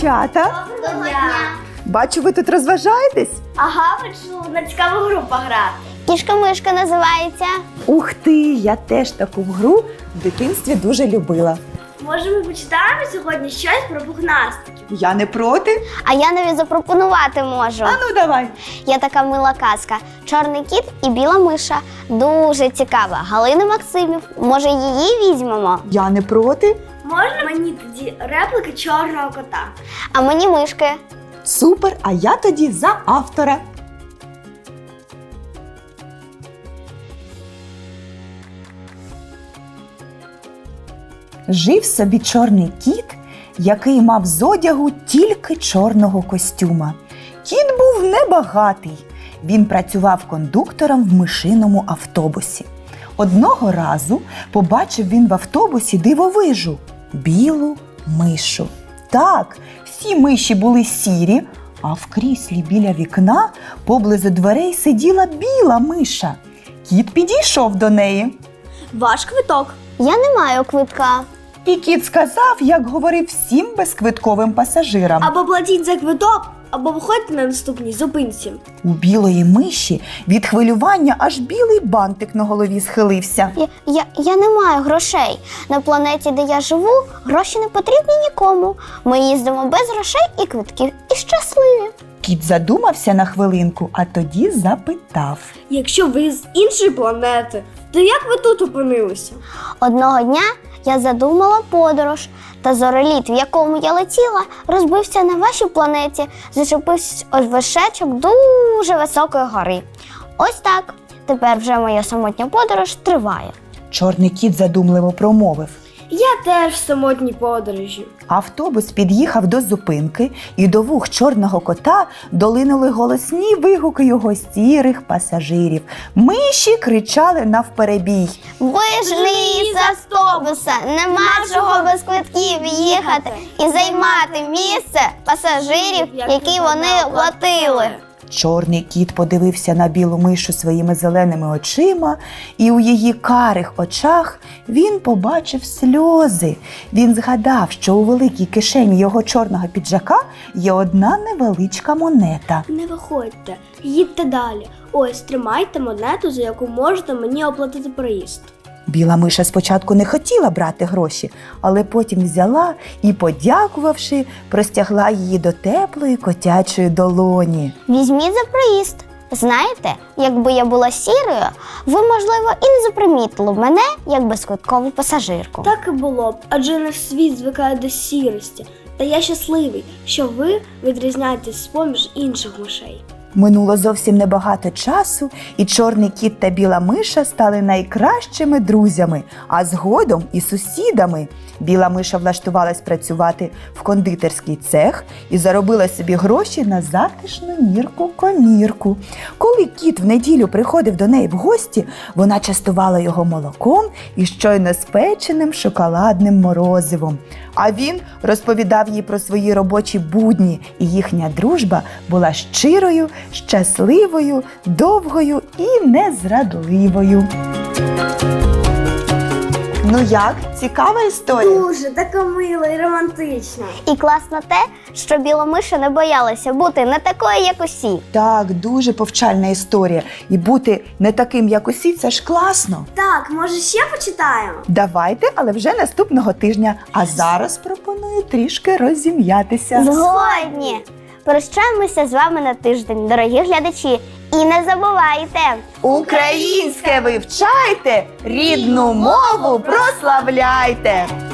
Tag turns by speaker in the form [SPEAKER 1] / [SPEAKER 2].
[SPEAKER 1] дівчата!
[SPEAKER 2] Доброго дня!
[SPEAKER 1] Бачу, ви тут розважаєтесь?
[SPEAKER 2] Ага, хочу на цікаву гру пограти.
[SPEAKER 3] Кішка-мишка називається.
[SPEAKER 1] Ух ти, я теж таку гру в дитинстві дуже любила.
[SPEAKER 2] Може, ми почитаємо сьогодні щось про пухнастиків?
[SPEAKER 1] Я не проти.
[SPEAKER 3] А я навіть запропонувати можу.
[SPEAKER 1] А ну давай.
[SPEAKER 3] Є така мила казка. Чорний кіт і біла миша. Дуже цікава. Галина Максимів. Може, її візьмемо?
[SPEAKER 1] Я не проти.
[SPEAKER 2] Можна мені тоді реплики чорного кота?
[SPEAKER 3] А мені мишки.
[SPEAKER 1] Супер, а я тоді за автора. Жив собі чорний кіт, який мав з одягу тільки чорного костюма. Кіт був небагатий. Він працював кондуктором в мишиному автобусі. Одного разу побачив він в автобусі дивовижу – білу мишу. Так, всі миші були сірі, а в кріслі біля вікна поблизу дверей сиділа біла миша. Кіт підійшов до неї.
[SPEAKER 2] Ваш квиток.
[SPEAKER 3] Я не маю квитка.
[SPEAKER 1] І кіт сказав, як говорив всім безквитковим пасажирам.
[SPEAKER 2] Або платіть за квиток, або виходьте на наступній зупинці.
[SPEAKER 1] У білої миші від хвилювання аж білий бантик на голові схилився.
[SPEAKER 3] Я не маю грошей. На планеті, де я живу, гроші не потрібні нікому. Ми їздимо без грошей і квитків, і щасливі.
[SPEAKER 1] Кіт задумався на хвилинку, а тоді запитав.
[SPEAKER 2] Якщо ви з іншої планети, то як ви тут опинилися?
[SPEAKER 3] Одного дня я задумала подорож, та зореліт, в якому я летіла, розбився на вашій планеті, зачепився ось вершечок дуже високої гори. Ось так. Тепер вже моя самотня подорож триває.
[SPEAKER 1] Чорний кіт задумливо промовив.
[SPEAKER 2] Я теж в самотній подорожі.
[SPEAKER 1] Автобус під'їхав до зупинки, і до вух чорного кота долинули голосні вигуки його сірих пасажирів. Миші кричали навперебій.
[SPEAKER 3] Вийшли з автобуса, нема чого без квитків їхати і займати місце пасажирів, які вони оплатили.
[SPEAKER 1] Чорний кіт подивився на білу мишу своїми зеленими очима, і у її карих очах він побачив сльози. Він згадав, що у великій кишені його чорного піджака є одна невеличка монета.
[SPEAKER 2] Не виходьте, їдьте далі. Ось, тримайте монету, за яку можете мені оплатити проїзд.
[SPEAKER 1] Біла миша спочатку не хотіла брати гроші, але потім взяла і, подякувавши, простягла її до теплої котячої долоні.
[SPEAKER 3] Візьміть за проїзд. Знаєте, якби я була сірою, ви, можливо, і не запримітили б мене як безквиткову пасажирку.
[SPEAKER 2] Так і було б, адже наш світ звикає до сірості. Та я щасливий, що ви відрізняєтесь з-поміж інших мишей.
[SPEAKER 1] Минуло зовсім небагато часу, і чорний кіт та біла миша стали найкращими друзями, а згодом і сусідами. Біла миша влаштувалась працювати в кондитерський цех і заробила собі гроші на затишну мірку-комірку. Коли кіт в неділю приходив до неї в гості, вона частувала його молоком і щойно спеченим шоколадним морозивом. А він розповідав їй про свої робочі будні, і їхня дружба була щирою, щасливою, довгою і незрадливою. Ну як? Цікава історія?
[SPEAKER 2] Дуже така мила і романтична.
[SPEAKER 3] І класно те, що біла миша не боялася бути не такою, як усі.
[SPEAKER 1] Так, дуже повчальна історія. І бути не таким, як усі, це ж класно.
[SPEAKER 2] Так, може ще почитаємо?
[SPEAKER 1] Давайте, але вже наступного тижня. А зараз пропоную трішки розім'ятися.
[SPEAKER 3] Згодні! Прощаємося з вами на тиждень, дорогі глядачі. І не забувайте!
[SPEAKER 1] Українське вивчайте, рідну мову прославляйте!